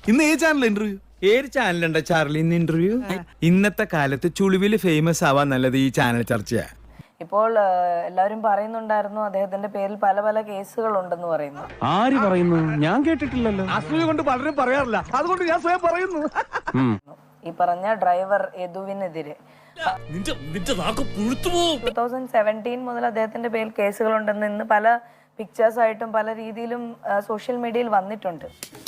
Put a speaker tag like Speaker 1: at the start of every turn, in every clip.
Speaker 1: ഇന്ന് ഏത് channel interview?
Speaker 2: ഏത് ചാനലുണ്ട ചാർലി ഇന്ന് ഇന്റർവ്യൂ? ഇന്നത്തെ കാലത്ത് ചുളിവില് ഫേമസ് ആവാൻ നല്ലത് ഈ ചാനൽ ചർച്ചയാ.
Speaker 3: ഇപ്പോൾ എല്ലാവരും പറയുന്നുണ്ടായിരുന്നു അദ്ദേഹത്തിന്റെ പേരിൽ പല പല കേസുകൾ ഉണ്ടെന്ന് പറയുന്നു.
Speaker 4: ആര് പറയുന്നു? ഞാൻ കേട്ടിട്ടില്ലല്ലോ.
Speaker 1: അസൂയ കൊണ്ട് പലരും പറയാറില്ല, അതുകൊണ്ട് ഞാൻ സ്വയം പറയുന്നു.
Speaker 3: ഈ പറഞ്ഞ ഡ്രൈവർ യദുവിനെതിരെ 2017 മുതൽ അദ്ദേഹത്തിന്റെ പേരിൽ കേസുകളുണ്ടെന്ന് ഇന്ന് പല പിക്ചേഴ്സ് ആയിട്ടും പല രീതിയിലും സോഷ്യൽ മീഡിയയിൽ വന്നിട്ടുണ്ട്.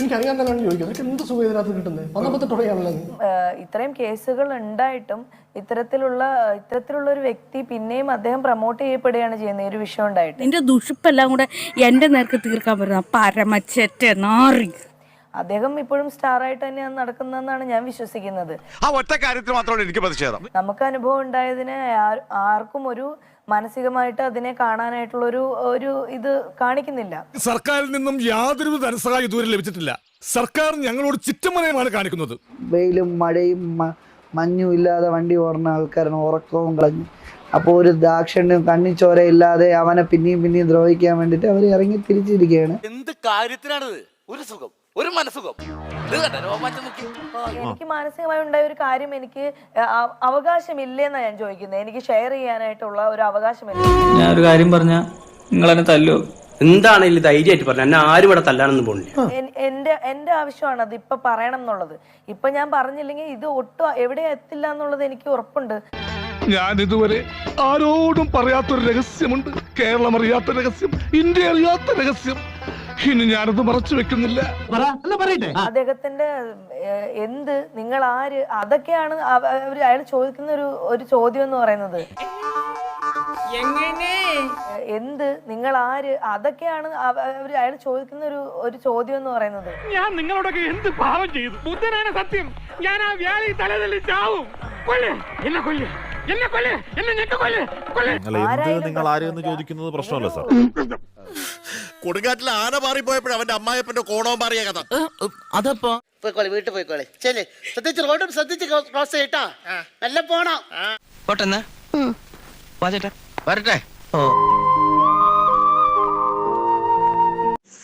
Speaker 3: ഇത്രയും കേസുകൾ ഉണ്ടായിട്ടും ഇത്തരത്തിലുള്ള ഒരു വ്യക്തി പിന്നെയും അദ്ദേഹം പ്രൊമോട്ട് ചെയ്യപ്പെടുകയാണ് ചെയ്യുന്നത് ഈ ഒരു വിഷയം ഉണ്ടായിട്ട്.
Speaker 5: എന്റെ ദുഷിപ്പെല്ലാം കൂടെ എന്റെ നേർക്ക് തീർക്കാൻ പറ്റുന്ന പരമച്ചറ്റ നാറി.
Speaker 3: അദ്ദേഹം ഇപ്പോഴും സ്റ്റാർ ആയിട്ട് തന്നെയാണ് നടക്കുന്നതെന്നാണ് ഞാൻ വിശ്വസിക്കുന്നത്.
Speaker 1: ആ ഒറ്റ കാര്യത്തിൽ മാത്രമാണ് എനിക്ക് പ്രതിഷേധം.
Speaker 3: നമുക്ക് അനുഭവം ഉണ്ടായതിനെ ആർക്കും ഒരു മാനസികമായിട്ട് അതിനെ കാണാനായിട്ടുള്ള ഒരു ഇത് കാണിക്കുന്നില്ല.
Speaker 6: സർക്കാരിൽ നിന്നും യാതൊരു ധനസഹായം ഇതുവരെ ലഭിച്ചിട്ടില്ല. സർക്കാർ ഞങ്ങളോട് ചിറ്റമനയമാണ് കാണിക്കുന്നത്.
Speaker 7: വെയിലും മഴയും മഞ്ഞും ഇല്ലാതെ വണ്ടി ഓടുന്ന ആൾക്കാരാണ്, ഉറക്കവും കളഞ്ഞു. അപ്പോൾ ഒരു ദാക്ഷിണ്യം കണ്ണിച്ചോരയില്ലാതെ അവനെ പിന്നെയും ദ്രോഹിക്കാൻ വേണ്ടിയിട്ട് അവർ ഇറങ്ങി തിരിച്ചിരിക്കുകയാണ്.
Speaker 8: എന്ത് കാര്യത്തിനാണിത്? ഒരു സുഖം, ഒരു മനസുഖം.
Speaker 3: എനിക്ക് മാനസികമായി ഉണ്ടായ ഒരു കാര്യം എനിക്ക് അവകാശമില്ലെന്നാണ് ഞാൻ ചോദിക്കുന്നത്. എനിക്ക് ഷെയർ ചെയ്യാനായിട്ടുള്ള ഒരു അവകാശമില്ല.
Speaker 9: ഞാൻ ഒരു കാര്യം പറഞ്ഞ നിങ്ങൾ എന്നെ തല്ലോ?
Speaker 4: എന്താണെങ്കിലും ധൈര്യമായിട്ട് പറഞ്ഞു. എന്നെ ആരും ഇവിടെ തല്ലാനൊന്നും പോണില്ല.
Speaker 3: എന്റെ ആവശ്യമാണ് അത് ഇപ്പൊ പറയണം എന്നുള്ളത്. ഇപ്പൊ ഞാൻ പറഞ്ഞില്ലെങ്കിൽ ഇത് ഒട്ടും എവിടെ എത്തില്ല എന്നുള്ളത് എനിക്ക് ഉറപ്പുണ്ട്.
Speaker 6: ഞാൻ ഇതുവരെ ആരോടും പറയാത്തൊരു രഹസ്യമുണ്ട്. കേരളം അറിയാത്ത രഹസ്യം, ഇന്ത്യ അറിയാത്ത രഹസ്യം. ഇനി ഞാനത് മറച്ചു വെക്കുന്നില്ല.
Speaker 3: അദ്ദേഹത്തിന്റെ എന്ത്, നിങ്ങൾ ആര്, അതൊക്കെയാണ് അയാൾ ചോദിക്കുന്ന ഒരു ചോദ്യം എന്ന് പറയുന്നത്. എന്ത്, നിങ്ങൾ ആര്, അതൊക്കെയാണ് അയാൾ ചോദിക്കുന്ന ഒരു ചോദ്യം എന്ന് പറയുന്നത്.
Speaker 4: ഞാൻ നിങ്ങളോടൊക്കെ എന്ത് പാവം ചെയ്തു? ബുദ്ധനാണ് സത്യം. ഞാൻ ആ വ്യാളി തലതല്ലി ചാവും.
Speaker 1: നിങ്ങൾ ആരെന്ന് ചോദിക്കുന്നത് പ്രശ്നമല്ല സാർ. കൊടുങ്കാറ്റിൽ ആന മാറിപ്പോയപ്പോഴും അവന്റെ അമ്മായപ്പന്റെ കോണവും മാറിയ കഥ.
Speaker 8: അതപ്പോ വീട്ടിൽ പോയിക്കോളെ. ശരി, ശ്രദ്ധിച്ച് റോഡും ശ്രദ്ധിച്ച് ക്രോസ് ചെയ്യട്ടാ. നല്ല പോണം.
Speaker 9: പോട്ടെന്നാ
Speaker 8: വരട്ടെ.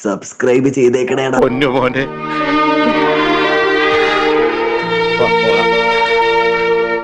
Speaker 7: സബ്സ്ക്രൈബ് ചെയ്തേക്കണേടാ.
Speaker 1: പൊന്നു മോനെ.